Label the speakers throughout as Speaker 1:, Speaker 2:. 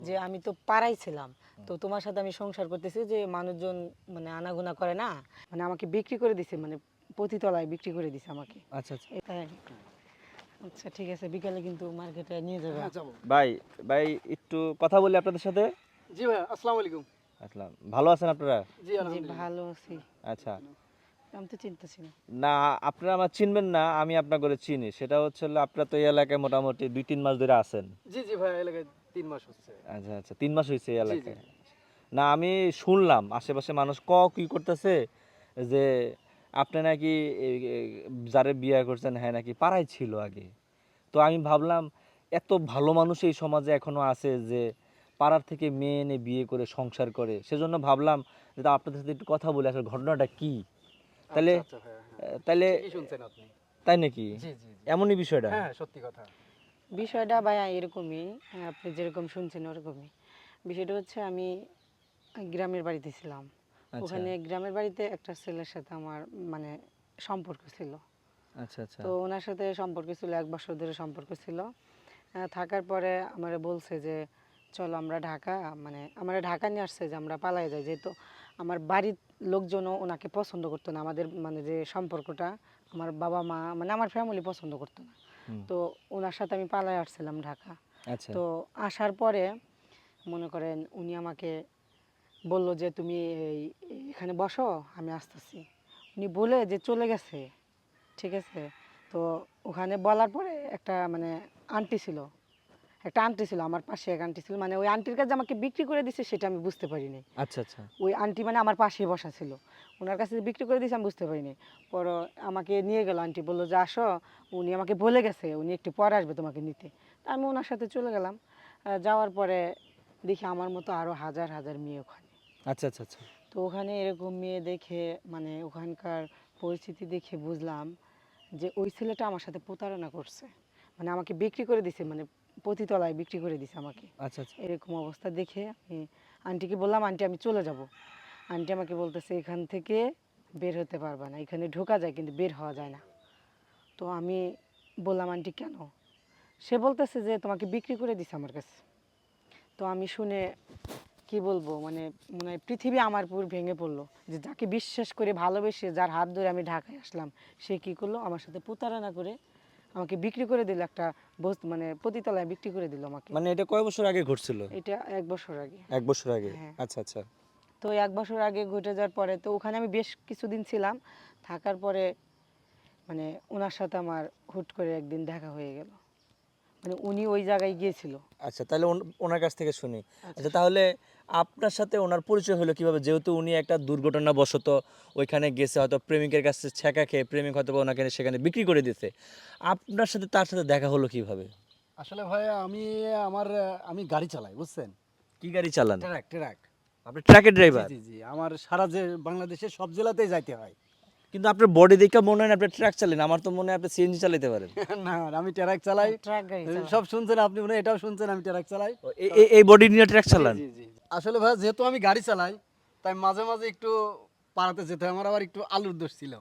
Speaker 1: যে আমি তো পাড়াই ছিলাম, তো তোমার সাথে আমি সংসার করতেছি যে মানুষজন মানে আনাগোনা করে না, মানে আমাকে বিক্রি করে দিছে, মানে পতিতলায় বিক্রি করে দিছে আমাকে।
Speaker 2: আচ্ছা আচ্ছা।
Speaker 1: এটাই। আচ্ছা ঠিক আছে, বিকালে কিন্তু মার্কেটে নিয়ে যাবে।
Speaker 3: হ্যাঁ যাবো।
Speaker 2: ভাই ভাই একটু কথা বলি আপনাদের সাথে।
Speaker 3: জি ভাই, আসসালামু আলাইকুম।
Speaker 2: আসলাম, ভালো আছেন আপনারা?
Speaker 3: জি
Speaker 1: জি
Speaker 3: আলহামদুলিল্লাহ।
Speaker 1: ভালো আছি।
Speaker 2: আচ্ছা।
Speaker 1: আমি তো চিন্তাছি না।
Speaker 2: না, আপনারা আমার চিনবেন না, আমি আপনার করে চিনি। সেটা হচ্ছে হলো আপনারা তো এই এলাকায় মোটামুটি 2-3 মাস ধরে আছেন।
Speaker 3: জি জি ভাই, এলাকায় 3 মাস হচ্ছে।
Speaker 2: আচ্ছা আচ্ছা, 3 মাস হয়েছে এই
Speaker 3: জি জি
Speaker 2: এলাকায়। না, আমি শুনলাম আশেপাশে মানুষ কি করতেছে যে আপনি নাকি যারে বিয়ে করছেন হ্যাঁ নাকি পাড়ায় ছিল আগে। তো আমি ভাবলাম এত ভালো মানুষ এই সমাজে এখনো আছে যে পাড়ার থেকে মেয়ে এনে বিয়ে করে সংসার করে, সেজন্য ভাবলাম যে আপনাদের সাথে একটু কথা বলে আসলে ঘটনাটা কি। তাহলে
Speaker 3: আচ্ছা আচ্ছা ভাইয়া, হ্যাঁ
Speaker 2: তাহলে
Speaker 3: ঠিকই শুনছেন আপনি।
Speaker 2: তাই নাকি?
Speaker 3: জি জি জি,
Speaker 2: এমনই বিষয়টা?
Speaker 3: হ্যাঁ সত্যি কথা।
Speaker 1: বিষয়টা ভাইয়া এরকমই, আপনি যেরকম শুনছেন ওরকমই। বিষয়টা হচ্ছে আমি গ্রামের বাড়িতে ছিলাম।
Speaker 2: আচ্ছা
Speaker 1: ওখানে গ্রামের বাড়িতে একটা ছেলের সাথে আমার মানে সম্পর্ক ছিল।
Speaker 2: আচ্ছা আচ্ছা
Speaker 1: তো ওনার সাথে সম্পর্ক ছিল, 1 বছর ধরে সম্পর্ক ছিল। থাকার পরে আমারে বলছে যে চলো আমরা ঢাকা, মানে আমরা ঢাকা নিয়ে আসছে যে আমরা পালাই যাই, যেহেতু আমার বাড়ির লোকজনও ওনাকে পছন্দ করতো না, আমাদের মানে যে সম্পর্কটা আমার বাবা মা মানে আমার ফ্যামিলি পছন্দ করতো না।
Speaker 2: হুম,
Speaker 1: তো ওনার সাথে আমি পালাই আসছিলাম ঢাকা।
Speaker 2: আচ্ছা
Speaker 1: তো আসার পরে মনে করেন উনি আমাকে বলল যে তুমি এখানে বসো, আমি আসতেছি। উনি বলে যে চলে গেছে, ঠিক আছে। তো ওখানে বলার পরে একটা মানে আন্টি ছিল, একটা আন্টি ছিল আমার পাশে, এক আন্টি ছিল, মানে ওই আন্টির কাছে আমাকে বিক্রি করে দিছে সেটা আমি বুঝতে পারিনি।
Speaker 2: আচ্ছা আচ্ছা
Speaker 1: ওই আন্টি মানে আমার পাশেই বসা ছিল, ওনার কাছে যে বিক্রি করে দিয়েছে আমি বুঝতে পারিনি। পর আমাকে নিয়ে গেল, আন্টি বললো যে আসো, উনি আমাকে বলে গেছে উনি একটু পরে আসবে তোমাকে নিতে। তা আমি ওনার সাথে চলে গেলাম। যাওয়ার পরে দেখি আমার মতো আরও হাজার হাজার মেয়ে ওখানে।
Speaker 2: আচ্ছা আচ্ছা আচ্ছা
Speaker 1: তো ওখানে এরকম মেয়ে দেখে মানে ওখানকার পরিস্থিতি দেখে বুঝলাম যে ওই ছেলেটা আমার সাথে প্রতারণা করছে, মানে আমাকে বিক্রি করে দিছে, মানে পতিতলায় বিক্রি করে দিছে আমাকে।
Speaker 2: আচ্ছা আচ্ছা
Speaker 1: এরকম অবস্থা দেখে আমি আন্টিকে বললাম আন্টি আমি চলে যাব। আন্টি আমাকে বলতেছে এখান থেকে বের হতে পারবা না, এখানে ঢোকা যায় কিন্তু বের হওয়া যায় না। তো আমি বললাম আন্টি কেন? সে বলতেছে যে তোমাকে বিক্রি করে দিছে আমার কাছে। তো আমি শুনে কি বলবো, মানে মনে হয় পৃথিবী আমার পুরো ভেঙে পড়লো, যে যাকে বিশ্বাস করে ভালোবেসে যার হাত ধরে আমি ঢাকায় আসলাম, সে কি করলো আমার সাথে প্রতারণা করে আমাকে বিক্রি করে দিল, একটা মানে পতিতলায় বিক্রি করে দিল আমাকে।
Speaker 2: মানে এটা কয় বছর আগে ঘটছিল?
Speaker 1: এটা 1 বছর আগে।
Speaker 2: 1 বছর আগে?
Speaker 1: হ্যাঁ।
Speaker 2: আচ্ছা আচ্ছা
Speaker 1: তো 1 বছর আগে ঘটে যাওয়ার পরে তো ওখানে আমি বেশ কিছুদিন ছিলাম। থাকার পরে মানে ওনার সাথে আমার হুট করে একদিন দেখা হয়ে গেল, মানে উনি ওই জায়গায় গিয়েছিল।
Speaker 2: আচ্ছা, তাহলে ওনার কাছ থেকে শুনি।
Speaker 1: আচ্ছা।
Speaker 2: আচ্ছা, তাহলে আপনার সাথে ওনার পরিচয় হলো কিভাবে? যেহেতু উনি একটা দুর্ঘটনাবশত ওইখানে গেছে, হয়তো প্রেমিকের কাছে ছ্যাঁকা খেয়ে প্রেমিক হয়তো বা ওনাকে সেখানে বিক্রি করে দিতে, আপনার সাথে তার সাথে দেখা হলো কিভাবে?
Speaker 3: আসলে ভাইয়া আমি গাড়ি চালাই, বুঝছেন?
Speaker 2: কি গাড়ি চালান?
Speaker 3: Truck truck.
Speaker 2: আপনি ট্রাকের
Speaker 3: জি
Speaker 2: ড্রাইভার?
Speaker 3: জি জি, আমার সারা যে বাংলাদেশের সব জেলাতেই যাইতে হয়।
Speaker 2: কিন্তু আপনার বডি দেখে মনে হয় না আপনি ট্রাক চালান, আমার তো মনে হয় আপনি সিএনজি চালাতে পারেন।
Speaker 3: না, আমি ট্রাক চালাই।
Speaker 1: ট্রাক গাড়ি চালায়।
Speaker 3: সব শুনছেন আপনি, মনে হয় এটাও শুনছেন আমি ট্রাক চালাই।
Speaker 2: ও, এই বডি নিয়ে ট্রাক চালান?
Speaker 3: জি জি জি। আসলে ভাই যেহেতু আমি গাড়ি চালাই, তাই মাঝে মাঝে একটু পাড়াতে যেতে হয়। আমার আবার একটু আলুর দোষ ছিল।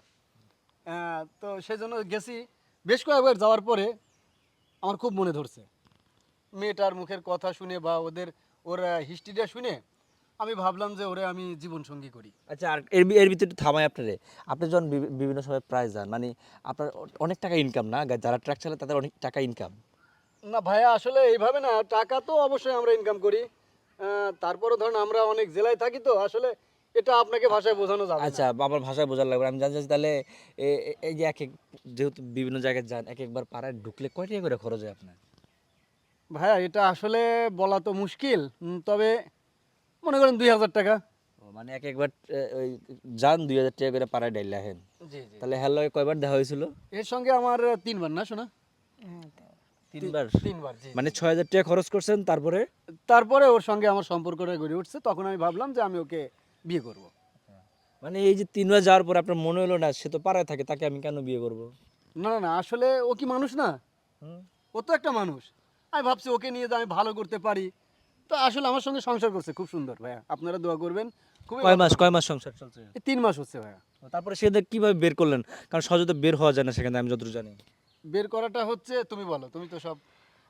Speaker 3: তো সেই জন্য গেছি। বেশ কয়েকবার যাওয়ার পরে আমার খুব মনে ধরছে মেয়েটার মুখের কথা শুনে বা ওর হিস্ট্রিটা শুনে আমি ভাবলাম যে ওরে আমি জীবন সঙ্গী করি।
Speaker 2: আচ্ছা, আর এর ভিতরে একটু থামাই আপনারে। আপনি যখন বিভিন্ন সময় প্রায় যান, মানে আপনার অনেক টাকা ইনকাম না? যারা ট্রাক চালায় তাদের অনেক টাকা ইনকাম।
Speaker 3: না ভাইয়া, আসলে এইভাবে না, টাকা তো অবশ্যই আমরা ইনকাম করি। তারপরে ধরুন আমরা অনেক জেলায় থাকি, তো আসলে এটা আপনাকে ভাষায় বোঝানো যাবে না।
Speaker 2: আচ্ছা, আমার ভাষায় বোঝার লাগবে না। আমি জানতে চাচ্ছি তাহলে এই যে যেহেতু বিভিন্ন জায়গায় যান, এক একবার পাড়ায় ঢুকলে কয় টাকা করে খরচ হয় আপনার?
Speaker 3: ভাইয়া এটা আসলে বলা তো মুশকিল, তবে মনে করেন 2000 টাকা।
Speaker 2: ও, মানে এক একবার ওই যান 2000 টাকা করে পাড়ায় ডাইলে আহেন।
Speaker 3: জি জি।
Speaker 2: তাহলে হ্যালো কয়বার দেখা হয়েছিল?
Speaker 3: এর সঙ্গে আমার 3বার, না শোনা?
Speaker 1: হ্যাঁ,
Speaker 2: 3বার?
Speaker 3: 3বার, জি
Speaker 2: মানে
Speaker 3: জি।
Speaker 2: 6000 টাকা খরচ করছেন তারপরে?
Speaker 3: তারপরে ওর সঙ্গে আমার সম্পর্কটা গড়ে উঠছে, তখন আমি ভাবলাম যে আমি ওকে বিয়ে করব।
Speaker 2: মানে এই যে 3বার যাওয়ার পর আপনার মনে হলো না সে তো পাড়ায় থাকে, তাকে আমি কেন বিয়ে করব?
Speaker 3: না না না, আসলে ও কি মানুষ না?
Speaker 2: হুম।
Speaker 3: ও তো একটা মানুষ। আমি ভাবছি ওকে নিয়ে যে আমি ভালো করতে পারি। তো আসলে আমার সঙ্গে সংসার করছে খুব সুন্দর ভাইয়া, আপনারা দোয়া করবেন। খুবই ভালো হবে।
Speaker 2: কয় মাস সংসার চলছে?
Speaker 3: এই 3 মাস হচ্ছে ভাইয়া।
Speaker 2: তারপরে সেদের কিভাবে বের করলেন? কারণ সহজে তো বের হওয়া যায় না সেখানে, আমি যতটুকু জানি।
Speaker 3: বের করাটা হচ্ছে, তুমি বলো, তুমি তো সব।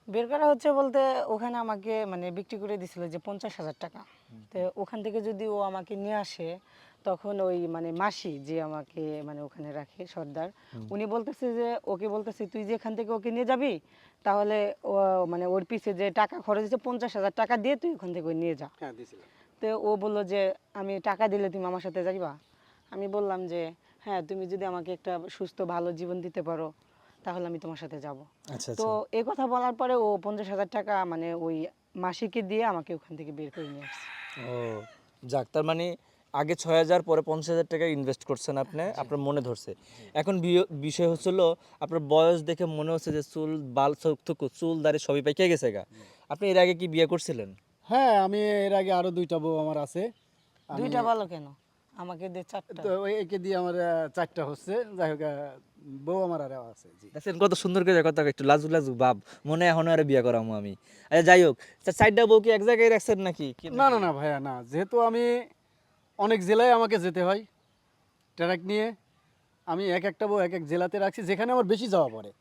Speaker 1: বের করা হচ্ছে বলতে ওখানে আমাকে মানে বিক্রি করে দিছিল যে 50,000 টাকা। তো ওখান থেকে যদি ও আমাকে নিয়ে আসে তখন ওই মানে মাসি যে আমাকে মানে ওখানে রাখে সর্দার, উনি বলতেছে যে ওকে বলতেছে তুই যে এখান থেকে ওকে নিয়ে যাবি তাহলে ও মানে ওর পিছে যে টাকা খরচ হচ্ছে 50,000 টাকা দিয়ে তুই ওখান থেকে ওই নিয়ে যা।
Speaker 3: হ্যাঁ দিয়েছিলাম।
Speaker 1: তো ও বললো যে আমি টাকা দিলে তুমি আমার সাথে যাইবা। আমি বললাম যে হ্যাঁ তুমি যদি আমাকে একটা সুস্থ ভালো জীবন দিতে পারো তাহলে আমি তোমার সাথে যাব।
Speaker 2: আচ্ছা
Speaker 1: তো
Speaker 2: আচ্ছা।
Speaker 1: এই কথা বলার পরে ও 50,000 টাকা মানে ওই মাসিকে দিয়ে আমাকে ওখান থেকে বের করে নিয়ে আসছে।
Speaker 2: ও যাক, তার মানে আগে 6,000 পরে 50,000 টাকা ইনভেস্ট করছেন আপনি, আপনার মনে ধরছে। এখন বিষয় হচ্ছিল আপনার বয়স দেখে মনে হচ্ছে যে চুল বাল চুল দাড়ি সবই পাইকে গেছে গা। আপনি এর আগে কি বিয়ে করছিলেন?
Speaker 3: হ্যাঁ আমি এর আগে আরো 2টা বউ আমার আছে। আমি
Speaker 1: দুইটা ভালো কেন, আমাকে দে 4টা।
Speaker 3: তো ওই একে দিয়ে আমার 4টা হচ্ছে, যাই হোক বউ আমার আরো আছে। জি
Speaker 2: দেখছেন কত সুন্দর করে কথা, একটু লাজু লাজু ভাব, মনে হয় এখনো আরে বিয়ে করামু আমি। আচ্ছা যাই হোক, চারটা বউ কি এক জায়গায় রাখছেন নাকি?
Speaker 3: না না না ভাইয়া না, যেহেতু আমি অনেক জেলায় আমাকে যেতে হয় ট্রাক নিয়ে, আমি এক একটা বউ এক এক জেলাতে রাখছি, যেখানে আমার বেশি যাওয়া পড়ে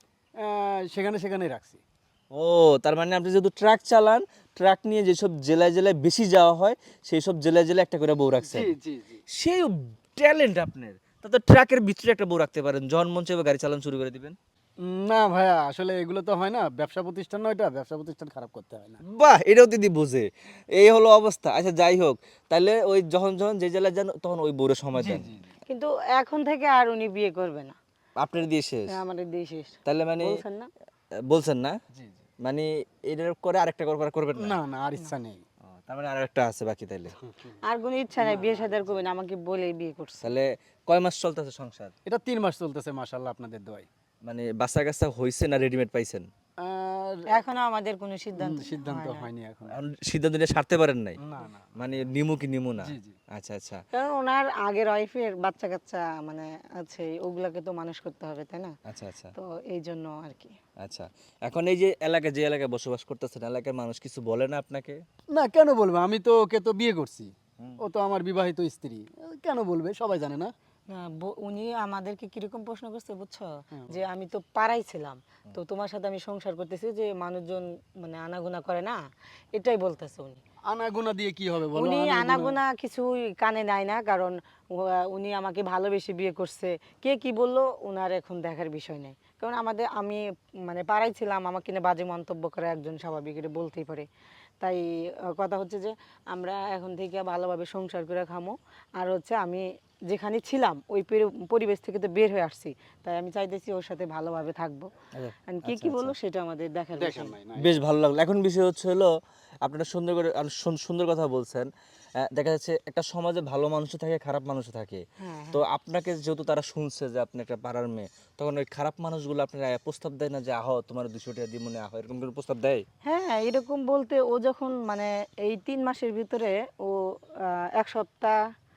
Speaker 3: সেখানে সেখানেই রাখছি।
Speaker 2: ও তার মানে আপনি যেহেতু ট্রাক চালান, ট্রাক নিয়ে যেসব জেলায় জেলায় বেশি যাওয়া হয় সেই সব জেলায় জেলায় একটা করে বউ রাখছেন।
Speaker 3: জি জি জি।
Speaker 2: সেই ট্যালেন্ট আপনার, তা তো ট্রাকের ভিতরে একটা বউ রাখতে পারেন, যখন মন চাইবে গাড়ি চালানো শুরু করে দিবেন।
Speaker 3: না ভাইয়া আসলে এগুলো তো হয় না, ব্যবসা প্রতিষ্ঠান নয়, এটা ব্যবসা প্রতিষ্ঠান খারাপ করতে হয় না।
Speaker 2: বাহ, এটাও দিদি বোঝে। এই হলো অবস্থা। আচ্ছা যাই হোক, তাহলে ওই যখন যখন যে জেলায় যান তখন ওই বউরে সময়
Speaker 3: জি
Speaker 2: দেন।
Speaker 3: জি জি।
Speaker 1: কিন্তু এখন থেকে আর উনি বিয়ে করবে না,
Speaker 2: আপনার দিয়ে শেষ?
Speaker 1: আমাদের দিয়ে শেষ।
Speaker 2: তাহলে মানে
Speaker 1: বলছেন না?
Speaker 2: বলছেন না,
Speaker 3: জি জি।
Speaker 2: মানে এটার করে আরেকটা করবেন না?
Speaker 3: না না আর ইচ্ছা নেই।
Speaker 2: ও, তার মানে আরেকটা আছে বাকি তাইলে।
Speaker 1: আর কোনো ইচ্ছা নাই, বিয়ে শাদী আর করবে না, আমাকে বলেই বিয়ে করছে।
Speaker 2: তাহলে কয় মাস চলতেছে সংসার?
Speaker 3: এটা 3 মাস চলতেছে মাশাআল্লাহ আপনাদের দোয়ায়।
Speaker 2: মানে বাচ্চা কাচ্চা হয়েছে না রেডিমেড পাইছেন?
Speaker 3: আর
Speaker 1: এখনো আমাদের কোনো সিদ্ধান্ত
Speaker 3: সিদ্ধান্ত
Speaker 1: হয় না।
Speaker 3: হয়নি এখন।
Speaker 2: এখন সিদ্ধান্ত নিয়ে সারতে পারেন নাই?
Speaker 3: না না।
Speaker 2: মানে নিমু কি নিমু না?
Speaker 3: জি জি।
Speaker 2: আচ্ছা আচ্ছা।
Speaker 1: কারণ ওনার আগের ওয়াইফের বাচ্চা কাচ্চা মানে আছে, ওগুলাকে তো মানুষ করতে হবে তাই না?
Speaker 2: আচ্ছা আচ্ছা
Speaker 1: তো এই জন্য আর কি।
Speaker 2: আচ্ছা। এখন এই যে এলাকায়, যে এলাকায় বসবাস করতেছেন, এলাকার মানুষ কিছু বলে না আপনাকে?
Speaker 3: না কেন বলবো, আমি তো ওকে তো বিয়ে করছি,
Speaker 2: হুম।
Speaker 3: ও তো আমার বিবাহিত স্ত্রী, কেন বলবে, সবাই জানে না।
Speaker 1: না, উনি আমাদেরকে কিরকম প্রশ্ন করছে বুঝছো,
Speaker 3: হ্যাঁ,
Speaker 1: যে আমি তো পাড়াই ছিলাম, তো তোমার সাথে আমি সংসার করতেছি যে মানুষজন মানে আনাগোনা করে না, এটাই বলতেছে উনি।
Speaker 3: আনাগোনা দিয়ে কি হবে বলো?
Speaker 1: উনি
Speaker 3: আনাগোনা-
Speaker 1: আনাগোনা কিছুই কানে নেয় না, কারণ উনি আমাকে ভালোবেসে বিয়ে করছে। কে কি বললো ওনার এখন দেখার বিষয় নেই, কারণ আমি মানে পাড়াই ছিলাম, আমাকে নিয়ে বাজে মন্তব্য করে একজন স্বাভাবিক, এটা বলতেই পারে। তাই কথা হচ্ছে যে আমরা এখন থেকে ভালোভাবে সংসার করে খামো। আর হচ্ছে আমি যেখানে ছিলাম ওই পরিবেশ থেকে তো বের হয়ে আসছি, তাই আমি চাইতেছি ওর সাথে ভালোভাবে থাকবো।
Speaker 2: আচ্ছা,
Speaker 1: আর কে কি বললো সেটা আমাদের দেখার
Speaker 3: দেখেন
Speaker 1: বিষয়।
Speaker 3: নাই না।
Speaker 2: বেশ ভালো লাগলো। এখন বিষয় হচ্ছে হলো, আপনারা সুন্দর করে আর সুন্দর কথা বলছেন। দেখা যাচ্ছে একটা সমাজে ভালো মানুষও থাকে, খারাপ মানুষও থাকে।
Speaker 1: হ্যাঁ
Speaker 2: তো আপনাকে যেহেতু তারা শুনছে যে আপনি একটা পাড়ার মেয়ে, তখন ওই খারাপ মানুষগুলো আপনারা প্রস্তাব দেয় না যে আহ তোমার 200 টাকা দিই মনে আহ, এরকম করে প্রস্তাব দেয়?
Speaker 1: হ্যাঁ, এরকম বলতে ও যখন মানে এই 3 মাসের ভিতরে ও এক সপ্তাহ,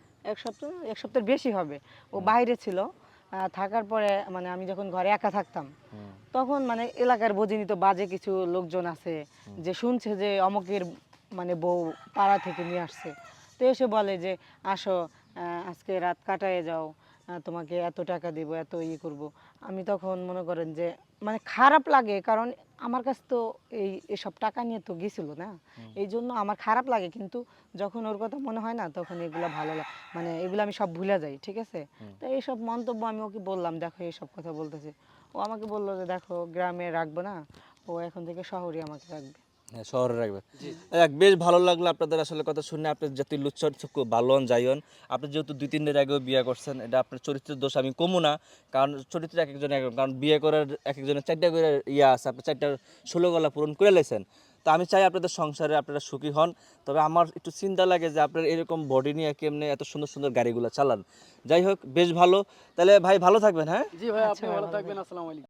Speaker 1: এক সপ্তাহের বেশি হবে ও বাইরে ছিল। থাকার পরে মানে আমি যখন ঘরে একা থাকতাম তখন মানে এলাকার বোঝেনি তো বাজে কিছু লোকজন আছে যে শুনছে যে অমুকের মানে বউ পাড়া থেকে নিয়ে আসছে, তো এসে বলে যে আসো আজকে রাত কাটায় যাও, তোমাকে এত টাকা দিব, এত করব। আমি তখন মনে করেন যে মানে খারাপ লাগে, কারণ আমার কাছে তো এসব টাকা নিয়ে তো গেছিল না, এই জন্য আমার খারাপ লাগে। কিন্তু যখন ওর কথা মনে হয় না তখন এগুলো ভালো লাগে, মানে এগুলো আমি সব ভুলে যাই, ঠিক আছে। তো এইসব মন্তব্য আমি ওকে বললাম, দেখো এইসব কথা বলতেছে। ও আমাকে বললো যে দেখো গ্রামে রাখবো না, ও এখন থেকে শহরে আমাকে রাখবে।
Speaker 2: হ্যাঁ, শহরে রাখবে। যাক, বেশ ভালো লাগলো আপনাদের আসলে কথা শুনে। আপনি যাতে লুচ্চর খুব ভালো হন, যাইন। আপনি যেহেতু 2-3 দিন আগেও বিয়ে করছেন, এটা আপনার চরিত্রের দোষ আমি কমু না, কারণ চরিত্র এক একজন এক এক, কারণ বিয়ে করার এক একজনের 4টা করে ইয়ে আছে, আপনি 4টার 16 গলা পূরণ করে লেছেন। তো আমি চাই আপনাদের সংসারে আপনারা সুখী হন। তবে আমার একটু চিন্তা লাগে যে আপনার এরকম বডি নিয়ে কেমনে এত সুন্দর সুন্দর গাড়িগুলো চালান। যাই হোক, বেশ ভালো। তাহলে ভাই ভালো থাকবেন। হ্যাঁ,
Speaker 3: জি ভাই,
Speaker 1: আচ্ছা
Speaker 3: আপনি
Speaker 1: ভাই,
Speaker 3: ভালো
Speaker 1: ভালো
Speaker 3: থাকবেন। আসসালামু আলাইকুম।